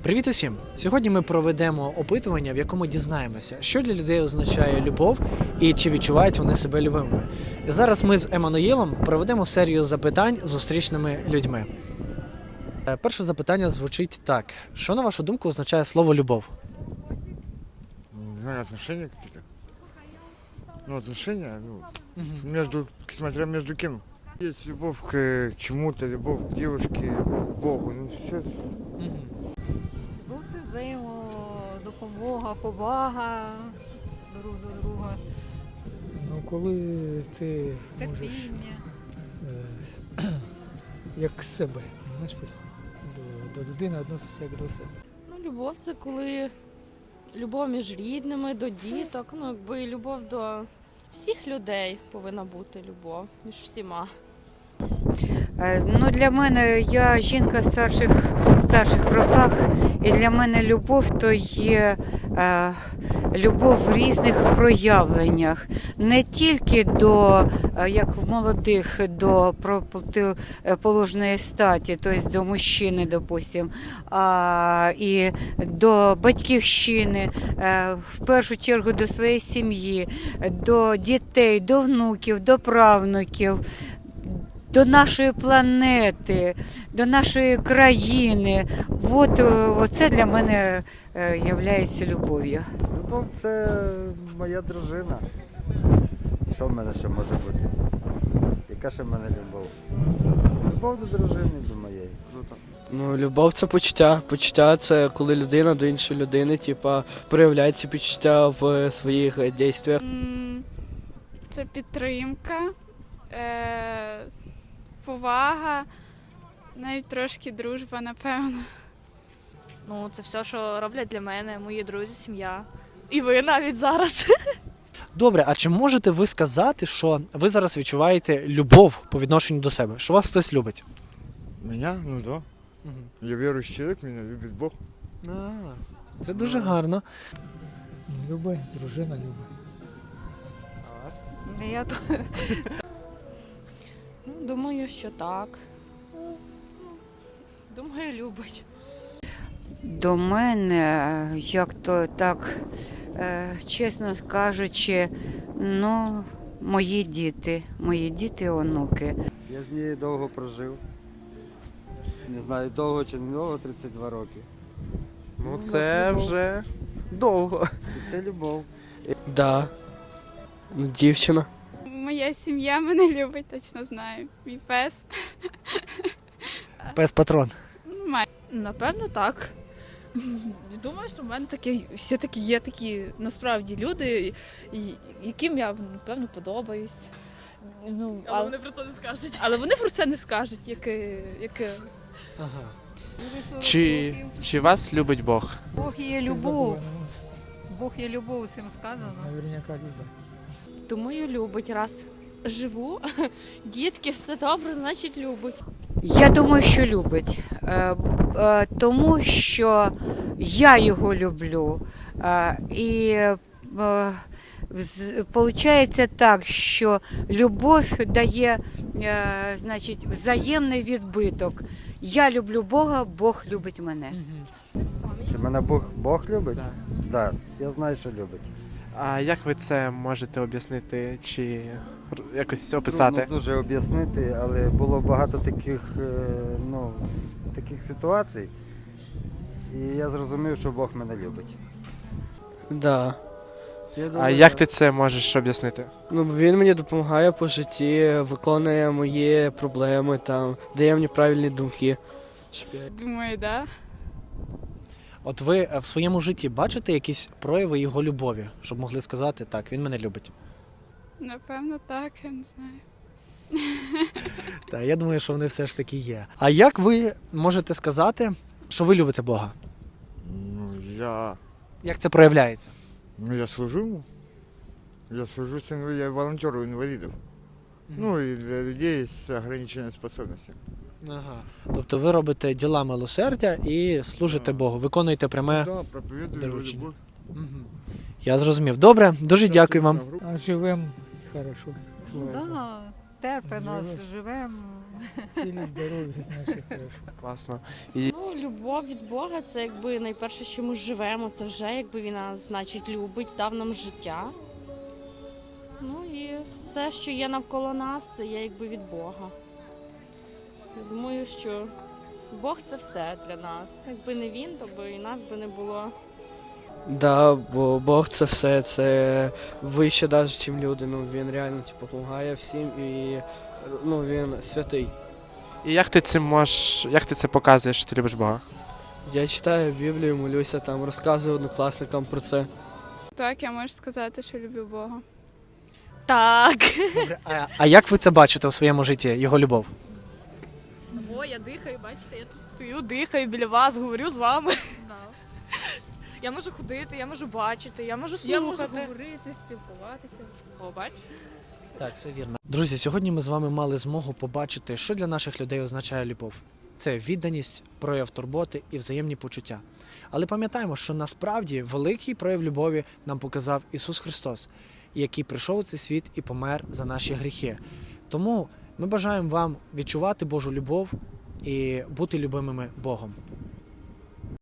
Привіт усім! Сьогодні ми проведемо опитування, в якому дізнаємося, що для людей означає любов і чи відчувають вони себе любимими. І зараз ми з Еммануїлом проведемо серію запитань з зустрічними людьми. Перше запитання звучить так. Що, на вашу думку, означає слово «любов»? Наверное, отношения какие-то. Ну, отношения, смотря между кем. Есть любовь к чему-то, любовь к девушке, любовь к Богу. Ну, все. Любов – це взаємодопомога, повага друг до друга, Ну, коли ти можеш терпіння. як себе, знаєш, до людини відноситься як до себе. Ну, любов це коли любов між рідними, до діток, любов до всіх людей повинна бути любов між всіма. Ну, для мене, я жінка в старших роках, і для мене любов то є любов в різних проявленнях. Не тільки до, як в молодих, до противоположної статі, тобто до мужчини, допустим, а і до батьківщини, в першу чергу до своєї сім'ї, до дітей, до внуків, до правнуків, до нашої планети, до нашої країни. Оце для мене є любов'ю. Любов – це моя дружина. Що в мене ще може бути? Яка ще в мене любов? Любов до дружини, до моєї. Круто. Ну, любов це почуття. Почуття це коли людина до іншої людини, проявляє ці почуття в своїх дійствах. Це підтримка, повага, навіть трошки дружба, напевно. Ну, це все, що роблять для мене, мої друзі, сім'я. І ви навіть зараз. Добре, а чи можете ви сказати, що ви зараз відчуваєте любов по відношенню до себе? Що вас хтось любить? Меня? Ну да. Я верующий человек, меня любит Бог. Це дуже гарно. Любить, дружина любить. А вас? Думаю, що так. Думаю, любить. До мене, як то так, чесно кажучи, ну, мої діти і онуки. Я з нею довго прожив. Не знаю, довго чи не довго, 32 роки. Ну, це вже довго. І це любов. Да. Ну, дівчина. Моя сім'я мене любить, точно знаю. Мій пес. Пес-патрон. Напевно, так. Думаю, що в мене все-таки є такі насправді люди, яким я, напевно, подобаюсь. Ну, але вони про це не скажуть. Але вони про це не скажуть, Ага. Чи вас любить Бог? Бог є любов. Бог є любов, цим сказано. Наверняка любить. Думаю, любить. Раз живу, дітки, все добре, значить любить. Я думаю, що любить, тому що я його люблю. І виходить так, що любов дає, значить, взаємний відбиток. Я люблю Бога, Бог любить мене. Чи мене Бог любить? Так. Да, я знаю, що любить. А як ви це можете об'яснити чи якось описати? Трудно дуже об'яснити, але було багато таких ситуацій. І я зрозумів, що Бог мене любить. Да. А як ти це можеш об'яснити? Ну, він мені допомагає по житті, виконує мої проблеми, дає мені правильні думки. Думаю, да. От ви в своєму житті бачите якісь прояви його любові, щоб могли сказати, так, він мене любить? Напевно, так, я не знаю. Так, я думаю, що вони все ж таки є. А як ви можете сказати, що ви любите Бога? Як це проявляється? Я служу ему. Я служу, я волонтер у инвалидов. Ну, и для людей с ограниченными способностями. Ага. Тобто ви робите діла милосердя і служите Богу, виконуєте пряме Да, проповедую доручення. любовь. Я зрозумів. Добре, дуже дякую вам. А живемо хорошо. Ну, Слава Богу. да, терпи нас, Живеш. живемо. Цілі здорові, значить хорошо. Класно. Ну, любов від Бога це якби найперше, що ми живемо, це вже якби він нас, значить, любить, дав нам життя. Ну і все, що є навколо нас, це є якби від Бога. Я думаю, що Бог це все для нас. Якби не він, то би і нас би не було. Да, бо Бог це все, це вище навіть, ніж люди. Ну, він реально типу, допомагає всім і ну, він святий. І як ти це показуєш, що ти любиш Бога? Я читаю Біблію, молюся, там розказую однокласникам про це. Так, я можу сказати, що люблю Бога. Так. Добре, а як ви це бачите у своєму житті, його любов? О, я дихаю, бачите, я тут стою, дихаю біля вас, говорю з вами. Я можу ходити, я можу бачити, я можу слухати. Я можу говорити, спілкуватися. О, бач? Так, все вірно. Друзі, сьогодні ми з вами мали змогу побачити, що для наших людей означає любов. Це відданість, прояв турботи і взаємні почуття. Але пам'ятаємо, що насправді великий прояв любові нам показав Ісус Христос, який прийшов у цей світ і помер за наші гріхи. Тому ми бажаємо вам відчувати Божу любов і бути любимими Богом.